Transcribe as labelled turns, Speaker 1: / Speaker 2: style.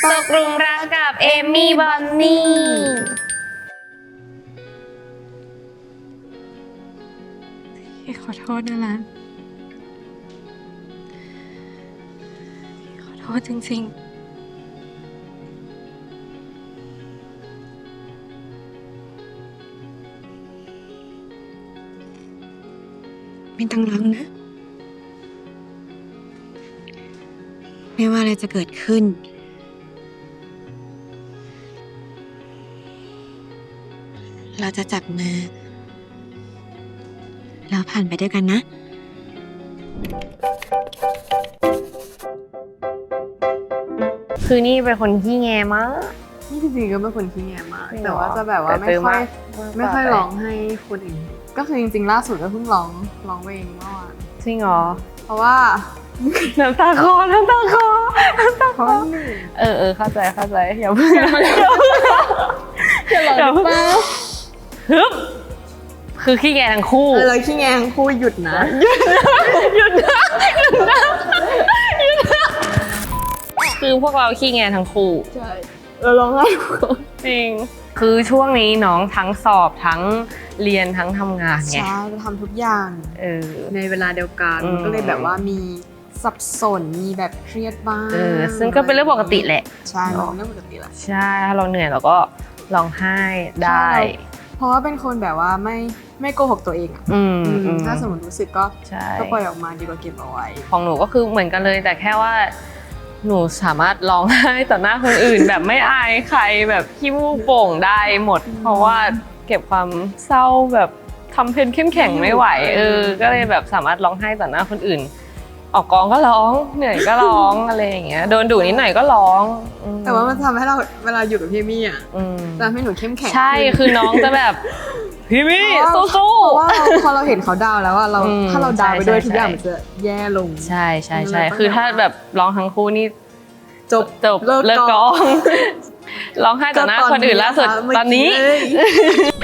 Speaker 1: ตกหลุมรักกับเอมี่บอนนี่ขอโทษนะลันขอโทษจริงๆไม่ต้องร้องนะไม่ว่าอะไรจะเกิดขึ้นเราจะจับมือแล้วผ่านไปด้วยกันนะคือนี่เป็นคนขี้แงมาก
Speaker 2: นี่จริงๆก็เป็นคนขี้แงมากแต่ว่าจะแบบว่าไม่ค่อยร้องให้คนอื่นก็คือจริงๆล่าสุดก็เพิ่งร้องเองเมื่อวาน
Speaker 1: จริงเหรอ
Speaker 2: เพราะว่า
Speaker 1: น้ำตาคลอ
Speaker 2: เพราะว่า
Speaker 1: เข้าใจอย่าเพิ่ง
Speaker 2: อย่าหลอน
Speaker 1: ฮึบคือขี้แงทั้งคู่
Speaker 2: เลยขี้แงทั้งคู่หยุดนะ
Speaker 1: คือพวกเราขี้แงทั้งคู่
Speaker 2: ใช่เราร้องไห้ทุกคน
Speaker 1: จริงคือช่วงนี้น้องทั้งสอบทั้งเรียนทั้งทำงานไง
Speaker 2: ใช่จะทำทุกอย่างในเวลาเดียวกันก็เลยแบบว่ามีสับสนมีแบบเครียดบ้าง
Speaker 1: ซึ่งก็เป็นเรื่องปกติแหละ
Speaker 2: ใช่เรื่องปกติแหละ
Speaker 1: ใช่ถ้าเราเหนื่อยเราก็ร้องไห้ได้
Speaker 2: เพราะว่าเป็นคนแบบว่าไม่โกหกตัวเองอ่ะถ้าสมมติรู้สึกก็ปล่อยออกมาดีกว่าเก็บเอาไว้
Speaker 1: ของหนูก็คือเหมือนกันเลยแต่แค่ว่าหนูสามารถร้องไห้ต่อหน้าคนอื่น แบบไม่อายใครแบบขี้มูกโป่งได้หมดเพราะว่าเก็บความเศร้าแบบทำเพนเข้มแข็งไม่ไหวก็เลยแบบสามารถร้องไห้ต่อหน้าคนอื่นออกกองก็ร้องเหนื่อยก็ร้องอะไรอย่างเงี้ยโดนดุนิดหน่อยก็ร้อง
Speaker 2: แต่ว่ามันทำให้เราเวลาอยู่กับพี่มี่อ่ะทำให้หนูเข้มแข็ง
Speaker 1: ใช่คือน้องจะแบบพี่มี่สู้
Speaker 2: ๆเพราะว่าพอเราเห็นเขาดาวแล้วว่าเราถ้าเราดาวไปด้วยทุกอย่างมันจะแย่ลง
Speaker 1: ใช่คือถ้าแบบร้องทั้งคู่นี่จบเลิกกองร้องไห้ต่อหน้าคนอื่นล่าสุดตอนนี้